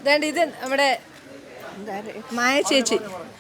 ഇത് നമ്മുടെ മായ ചേച്ചി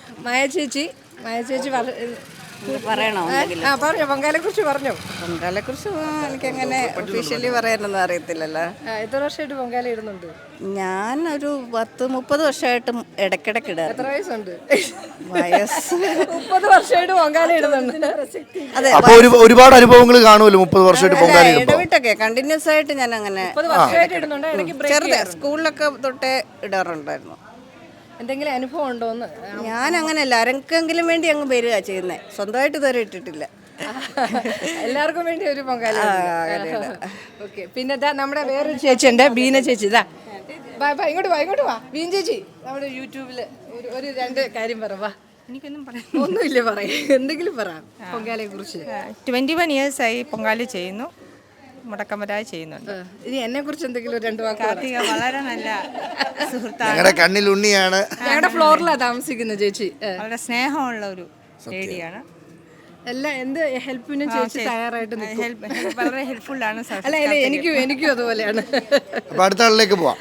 പറയണോ? പറഞ്ഞോ, പൊങ്കാലയെ കുറിച്ച് പറഞ്ഞോ. പൊങ്കാലയെക്കുറിച്ച് എനിക്കങ്ങനെ ഒഫീഷ്യലി പറയാനൊന്നും അറിയത്തില്ലല്ലോ. എത്ര വർഷമായിട്ട് പൊങ്കാല ഇടുന്നുണ്ട്? ഞാൻ ഒരു 10-30 വർഷമായിട്ട് ഇടയ്ക്കിടയ്ക്ക് ഇടാറ്. എത്ര വയസ്സുണ്ട്? വയസ്സ് 30 വർഷമായിട്ട് പൊങ്കാല ഇടുന്നുണ്ട്. അതെ, അപ്പൊ ഒരുപാട് അനുഭവങ്ങൾ കാണുമല്ലോ 30 വർഷമായിട്ട് പൊങ്കാല ഇടുമ്പോ. ഇടവിട്ടൊക്കെ കണ്ടിന്യൂസ് ആയിട്ട് ഞാൻ അങ്ങനെ 30 വർഷമായിട്ട് ഇടുന്നുണ്ട്. ഇടയ്ക്ക് ചെറുതെ സ്കൂളിലൊക്കെ തൊട്ടേ ഇടാറുണ്ടായിരുന്നു. എന്തെങ്കിലും അനുഭവം ഉണ്ടോന്ന്? ഞാൻ അങ്ങനെയല്ല, ആരെങ്കിലും വേണ്ടി അങ്ങ് വരിക ചെയ്യുന്നത്, സ്വന്തമായിട്ട് ഇതുവരെ ഇട്ടിട്ടില്ല. എല്ലാവർക്കും വേണ്ടി ഒരു പൊങ്കാല. ഓക്കെ. പിന്നെ നമ്മുടെ വേറൊരു ചേച്ചി ഉണ്ട്, ബീന ചേച്ചി. ഇങ്ങോട്ട് വാ ബീന ചേച്ചി. നമ്മുടെ യൂട്യൂബില് ഒരു 2 കാര്യം പറ. എനിക്കൊന്നും പറയാം. ഒന്നുമില്ല, പറയാം. എന്തെങ്കിലും പറ പൊങ്കാലയെ കുറിച്ച്. 21 years ആയി പൊങ്കാല ചെയ്യുന്നു, മുടക്കമരായി ചെയ്യുന്നുണ്ട്. ഇനി എന്നെ കുറിച്ച് എന്തെങ്കിലും 2 വാക്ക്. കാർത്തിക വളരെ നല്ല സുഹൃത്താണ്, ഞങ്ങളുടെ കണ്ണിൽ ഉണ്ണിയാണ്. ഞങ്ങളുടെ ഫ്ലോറിലാണ് താമസിക്കുന്ന ചേച്ചി. വളരെ സ്നേഹമുള്ള ഒരു ലേഡിയാണ്. എന്ത് ഹെൽപ്പിനും ചേച്ചി തയ്യാറായിട്ട് വളരെ ഹെൽപ്ഫുള്ളാണ്. അല്ല എനിക്കും അതുപോലെയാണ്. അപ്പൊ അടുത്ത ആളിലേക്ക് പോവാം.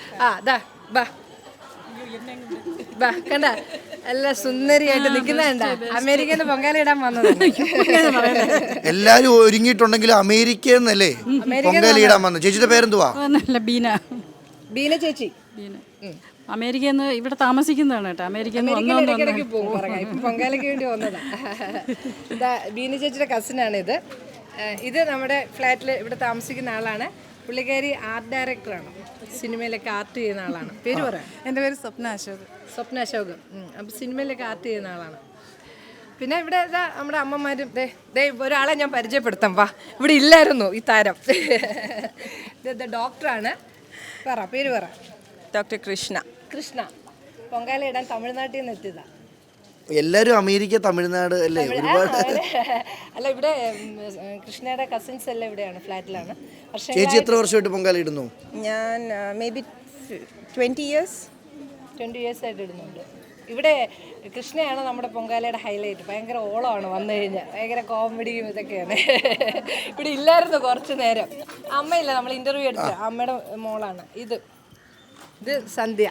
കണ്ട നല്ല സുന്ദരിയായിട്ട് നിൽക്കുന്നുണ്ട. അമേരിക്കയിൽ നിന്ന് പൊങ്കാല ഇടാൻ വന്നത്. എല്ലാരും ഒരുങ്ങിയിട്ടുണ്ടെങ്കിലും അമേരിക്കയിൽ നിന്നല്ലേ പൊങ്കാല ഇടാൻ വന്നത്. ചേച്ചിയുടെ പേരെന്തുവാ? ബീന ചേച്ചി. അമേരിക്കയിൽ നിന്ന് ഇവിടെ താമസിക്കുന്നതാണ് കേട്ടോ. അമേരിക്കയിൽ ഇടയ്ക്കിടയ്ക്ക് പോകും. ഇപ്പം പൊങ്കാലയ്ക്ക് വേണ്ടി വന്നതാ. ബീന ചേച്ചിയുടെ കസിനാണ് ഇത്. ഇത് നമ്മുടെ ഫ്ലാറ്റിൽ ഇവിടെ താമസിക്കുന്ന ആളാണ്. പുള്ളിക്കാരി ആർട്ട് ഡയറക്ടറാണ്, സിനിമയിലൊക്കെ ആർട്ട് ചെയ്യുന്ന ആളാണ്. പേര് പറയാം. എൻ്റെ പേര് സ്വപ്ന അശോക്. അപ്പം സിനിമയിലൊക്കെ ആർട്ട് ചെയ്യുന്ന ആളാണ്. പിന്നെ ഇവിടെ നമ്മുടെ അമ്മമാരും ഒരാളെ ഞാൻ പരിചയപ്പെടുത്താം. ഇവിടെ ഇല്ലായിരുന്നു ഈ താരം. ഡോക്ടറാണ്. പേര് പറ. ഡോക്ടർ കൃഷ്ണ. പൊങ്കാല ഇടാൻ തമിഴ്നാട്ടിൽ നിന്ന് എത്തിയതാ. എല്ലാരും അമേരിക്ക, തമിഴ്നാട് അല്ലേ? ഒരുപാട്. അല്ല, ഇവിടെ കൃഷ്ണയുടെ കസിൻസ് എല്ലാം ഇവിടെയാണ്, ഫ്ലാറ്റിലാണ്. ചേച്ചി എത്ര വർഷമായിട്ട് പൊങ്കാല ഇടുന്നു? ഞാൻ മേ ബി 20 years ആയിട്ട് ഇടുന്നുണ്ട്. ഇവിടെ കൃഷ്ണയാണ് നമ്മുടെ പൊങ്കാലയുടെ ഹൈലൈറ്റ്. ഭയങ്കര ഓളമാണ് വന്നു കഴിഞ്ഞാൽ, ഭയങ്കര കോമഡിയും ഇതൊക്കെയാണ്. ഇവിടെ ഇല്ലായിരുന്നു കുറച്ച് നേരം. അമ്മയില്ല, നമ്മൾ ഇന്റർവ്യൂ എടുത്ത അമ്മയുടെ മോളാണ്. ഇത് സന്ധ്യ.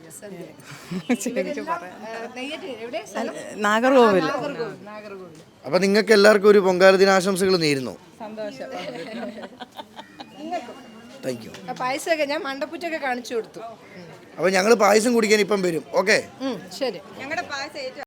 നാഗർകോവിൽ. അപ്പൊ നിങ്ങൾക്ക് എല്ലാവർക്കും ഒരു പൊങ്കാല ദിനാശംസകൾ നേരുന്നു. സന്തോഷം. Thank you. പായസമൊക്കെ ഞാൻ മണ്ടപ്പുറ്റൊക്കെ കാണിച്ചു കൊടുത്തു. അപ്പൊ ഞങ്ങൾ പായസം കുടിക്കാൻ ഇപ്പം വരും. ഓക്കെ, ശരി. ഞങ്ങളുടെ പായസം